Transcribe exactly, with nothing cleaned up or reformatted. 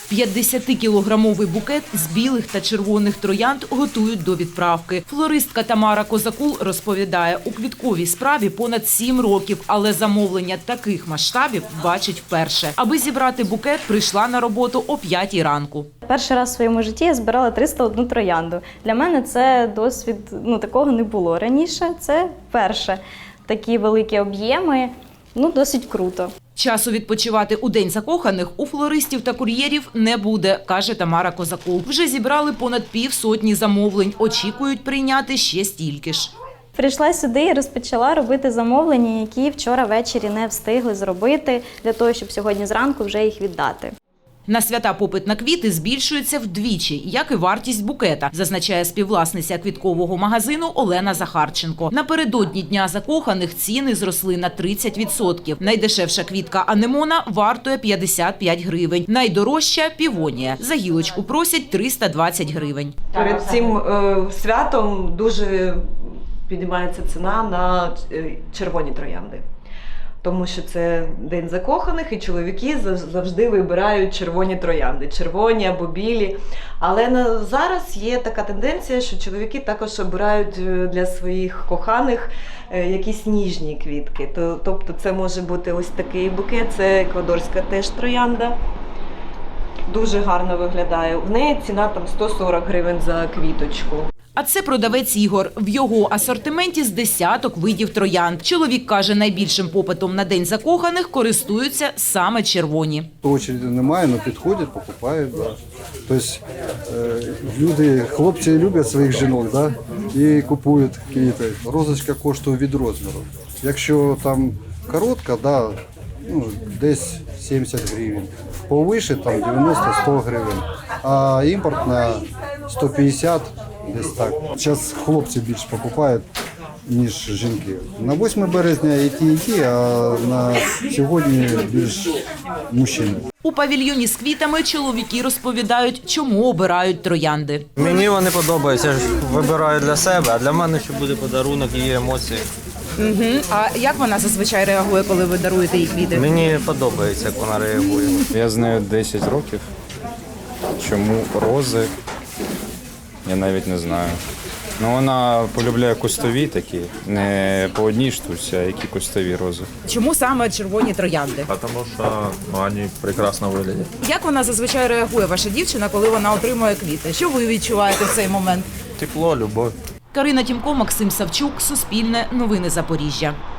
п'ятдесятикілограмовий букет з білих та червоних троянд готують до відправки. Флористка Тамара Козакул розповідає, у квітковій справі понад сім років, але замовлення таких масштабів бачить вперше. Аби зібрати букет, прийшла на роботу о п'ятій ранку. Перший раз в своєму житті я збирала триста одну троянду. Для мене це досвід, ну такого не було раніше, це перше. Такі великі об'єми, ну досить круто. Часу відпочивати у День закоханих у флористів та кур'єрів не буде, каже Тамара Козакул. Вже зібрали понад півсотні замовлень, очікують прийняти ще стільки ж. Прийшла сюди і розпочала робити замовлення, які вчора ввечері не встигли зробити, для того, щоб сьогодні зранку вже їх віддати. На свята попит на квіти збільшується вдвічі, як і вартість букета, зазначає співвласниця квіткового магазину Олена Захарченко. Напередодні Дня закоханих ціни зросли на тридцять відсотків. Найдешевша квітка анемона вартує п'ятдесят п'ять гривень. Найдорожча – півонія. За гілочку просять триста двадцять гривень. Перед цим е, святом дуже піднімається ціна на червоні троянди. Тому що це День закоханих, і чоловіки завжди вибирають червоні троянди, червоні або білі. Але на зараз є така тенденція, що чоловіки також обирають для своїх коханих якісь ніжні квітки. Тобто це може бути ось такий букет, це еквадорська теж троянда. Дуже гарно виглядає. В неї ціна там сто сорок гривень за квіточку. А це продавець Ігор. В його асортименті з десяток видів троянд. Чоловік каже, найбільшим попитом на День закоханих користуються саме червоні. Очереди немає, але підходять, покупають. Да. Тобто люди, хлопці люблять своїх жінок, да, і купують квіти. Розочка коштує від розміру. Якщо там коротка, да, ну, десь сімдесят гривень. Повише там дев'яносто-сто гривень, а імпортна сто п'ятдесят. Десь так. Зараз хлопці більше покупають, ніж жінки. На восьме березня і ті, і ті, а на сьогодні більш мужчин. У павільйоні з квітами чоловіки розповідають, чому обирають троянди. Мені вони подобаються, я ж вибираю для себе, а для мене ще буде подарунок, її емоції. Угу. А як вона зазвичай реагує, коли ви даруєте їй квіти? Мені подобається, як вона реагує. Я з нею десять років. Чому рози? Я навіть не знаю. Ну, вона полюбляє кустові такі, не по одній штуці, а які кустові рози. Чому саме червоні троянди? Тому що вони прекрасно виглядять. Як вона зазвичай реагує, ваша дівчина, коли вона отримує квіти? Що ви відчуваєте в цей момент? Тепло, любов. Карина Тімко, Максим Савчук, Суспільне, Новини Запоріжжя.